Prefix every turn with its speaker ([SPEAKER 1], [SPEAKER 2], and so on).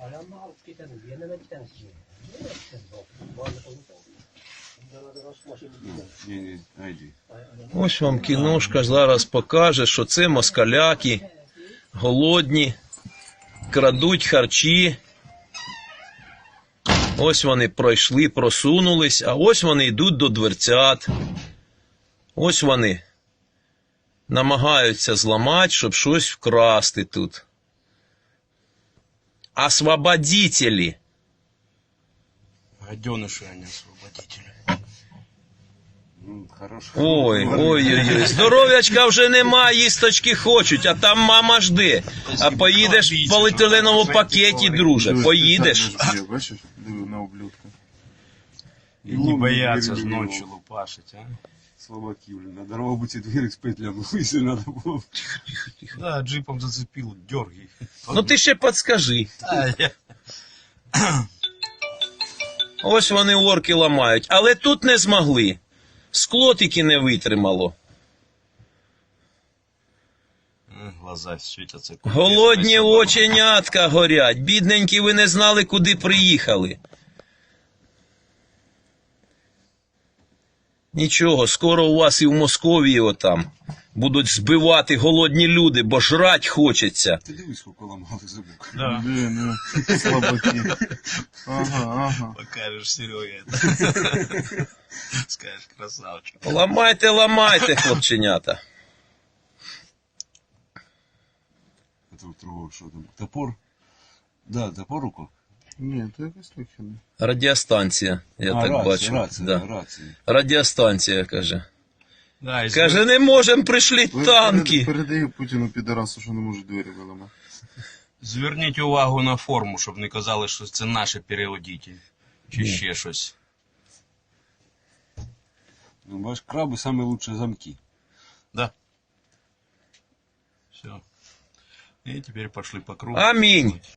[SPEAKER 1] Ось вам кіношка зараз покаже, що це москаляки, голодні, крадуть харчі. Ось вони пройшли, просунулись, а ось вони йдуть до дверцят. Ось вони намагаються зламати, щоб щось вкрасти тут. Освободителі.
[SPEAKER 2] Гаденыши, а не освободители.
[SPEAKER 1] Ой. Здоров'ячка вже нема, їсточки хочуть, а там мама жде. А поїдеш в поліетиленовому пакеті, друже, поїдеш.
[SPEAKER 3] Бачиш, диви на ублюдка.
[SPEAKER 2] И не боятся ж ночью лупашить, а?
[SPEAKER 3] Слабаки, блин, на дорогу бы тебе дверь с петлями, если надо было.
[SPEAKER 2] Да, джипом зацепил, дергай.
[SPEAKER 1] Ну ти ще підскажи. Ось вони орки ламають, але тут не змогли. Скло тільки не витримало.
[SPEAKER 2] Глаза світяться.
[SPEAKER 1] Голодні оченятка горять. Бідненькі, ви не знали, куди приїхали. Нічого, скоро у вас і в Московії отам будуть збивати голодні люди, бо жрать хочеться.
[SPEAKER 3] Ти дивись, сколько ламали зубок.
[SPEAKER 2] Да.
[SPEAKER 3] Блин, слабаки. Ага.
[SPEAKER 2] Покажешь Сереге. Скажешь, красавчик.
[SPEAKER 1] Ламайте, хлопченята.
[SPEAKER 3] Это вот другого, что там? Топор? Да, топор руку?
[SPEAKER 4] Ні, то якось легкіно.
[SPEAKER 1] Радіостанція, я так бачу.
[SPEAKER 3] Рація.
[SPEAKER 1] Радіостанція, каже.
[SPEAKER 2] Да, и
[SPEAKER 1] Каже, не можемо, прийшли танки.
[SPEAKER 4] Передаю Путіну підарасу, що не можуть двері виламати.
[SPEAKER 2] зверніть увагу на форму, щоб не казали, що це наші переводителі. Чи ще щось.
[SPEAKER 3] Ну, бачиш, краби самые лучшие замки.
[SPEAKER 2] Да. Все. И теперь пошли по кругу.
[SPEAKER 1] Аминь.